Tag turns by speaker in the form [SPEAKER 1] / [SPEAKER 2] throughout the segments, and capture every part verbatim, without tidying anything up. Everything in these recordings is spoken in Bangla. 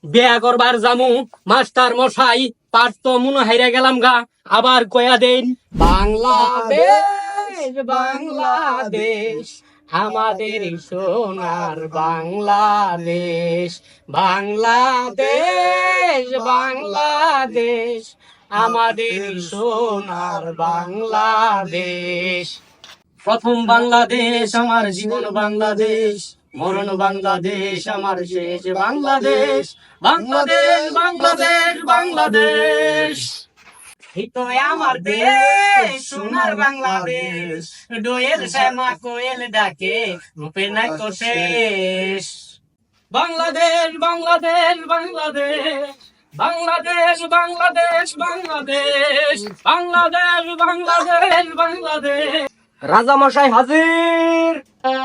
[SPEAKER 1] বিয়া করবার জামু মাস্টার মশাই পাঠ তো মনে হাইরা গেলাম গা আবার কয়া দেন বাংলাদেশ বাংলাদেশ আমাদের সোনার বাংলাদেশ বাংলাদেশ বাংলাদেশ আমাদের সোনার বাংলাদেশ। প্রথম বাংলাদেশ আমার জীবন বাংলাদেশ, মরণ বাংলাদেশ আমার শেষ বাংলাদেশ বাংলাদেশ বাংলাদেশ বাংলাদেশ। এই তো আমার দেশ সোনার বাংলাদেশ, দোয়েল শ্যামা কোয়েল ডাকে রূপে নাই তো শেষ। বাংলাদেশ বাংলাদেশ বাংলাদেশ বাংলাদেশ বাংলাদেশ বাংলাদেশ বাংলাদেশ বাংলাদেশ বাংলাদেশ। রাজা মশাই হাজির।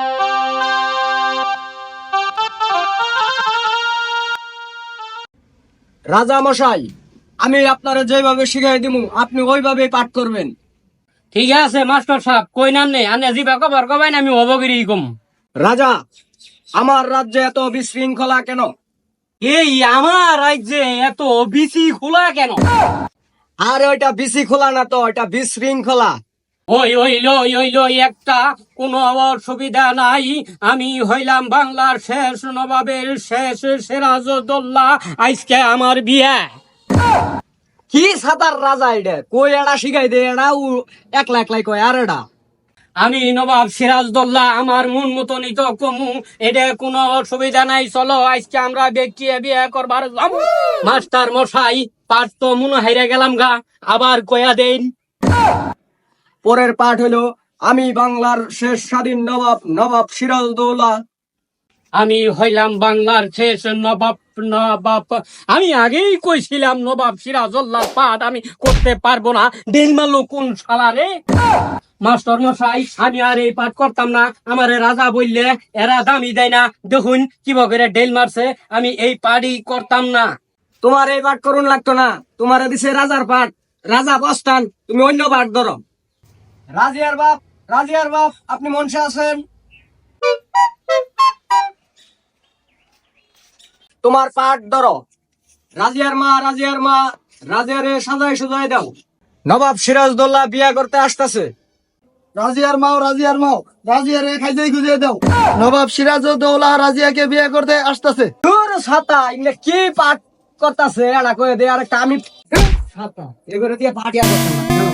[SPEAKER 2] রাজা মশাই, আমি আপনারা যেভাবে শিখাই দিব আপনি ওইভাবে পাঠ করবেন।
[SPEAKER 1] ঠিক আছে মাস্টার সাহেব, কই নাম নেই আনে জিবা কবার কবাই আমি অবগিরি কম।
[SPEAKER 2] রাজা, আমার রাজ্যে এত বিশৃঙ্খলা কেন?
[SPEAKER 1] এই আমার রাজ্যে এত বিসি খোলা কেন?
[SPEAKER 2] আর ওইটা বিসি খোলা না তো, ওইটা বিশৃঙ্খলা।
[SPEAKER 1] ওই ওই লই ওই লই একটা কোনো অসুবিধা নাই, আমি হইলাম বাংলার শেষ নবাবের শেষ সিরাজউদ্দৌলা, আজকে আমার বিয়া।
[SPEAKER 2] কি সাতার রাজা এটা কই এড়া শিখাই দে, এড়া একলা একলাই কয় আর এড়া।
[SPEAKER 1] আমি নবাব সিরাজউদ্দৌলা, আমার মন মতনই তো কমু, এটা কোনো অসুবিধা নাই। চলো আজকে আমরা ব্যক্তি বিয়ে করবার যাব। মাস্টার মশাই পাঠ তো মনে হাইরা গেলাম গা আবার কয়া দেন।
[SPEAKER 2] পরের পাঠ হলো, আমি বাংলার শেষ স্বাধীন নবাব নবাব সিরাজউদ্দৌলা।
[SPEAKER 1] আমি হইলাম বাংলার শেষ নবাব নবাব আমি আগেই কইছিলাম নবাব সিরাজউদ্দৌলার পাঠ আমি করতে পারবো না। ডেল মারলো কোন শালা রে? মাস্টার মশাই আমি আর এই পাঠ করতাম না, আমারে রাজা বললে এরা দামি দেয় না। দেখুন কিবা করে ডেল মারছে, আমি এই পাঠই করতাম না।
[SPEAKER 2] তোমার এই পাঠ করুন লাগতো না, তোমার দিছে রাজার পাঠ। রাজা বস্তান, তুমি অন্য পাঠ ধরো। রাজিয়ার বাপ, রাজিয়ার বাপ, আপনি মঞ্চে আছেন? তোমার পাঠ ধরো। রাজিয়ার মা, রাজিয়ার মা, রাজিয়ারে সাজাই সুজাই দাও। নবাব সিরাজউদ্দৌলা বিয়া করতে আসতেছে।
[SPEAKER 3] রাজিয়ার মাও রাজিয়ার মাও রাজিয়ারে খাইতে খুঁজে দাও। নবাব সিরাজউদ্দৌলা রাজিয়াকে বিয়ে করতে আসতেছে।
[SPEAKER 2] দূর ছাতা, ইংলে কি পাঠ করতেছে এড়া কয়ে দে। আর একটা আমি ছাতা এগুলো দিয়ে পাঠিয়ে করতাম না।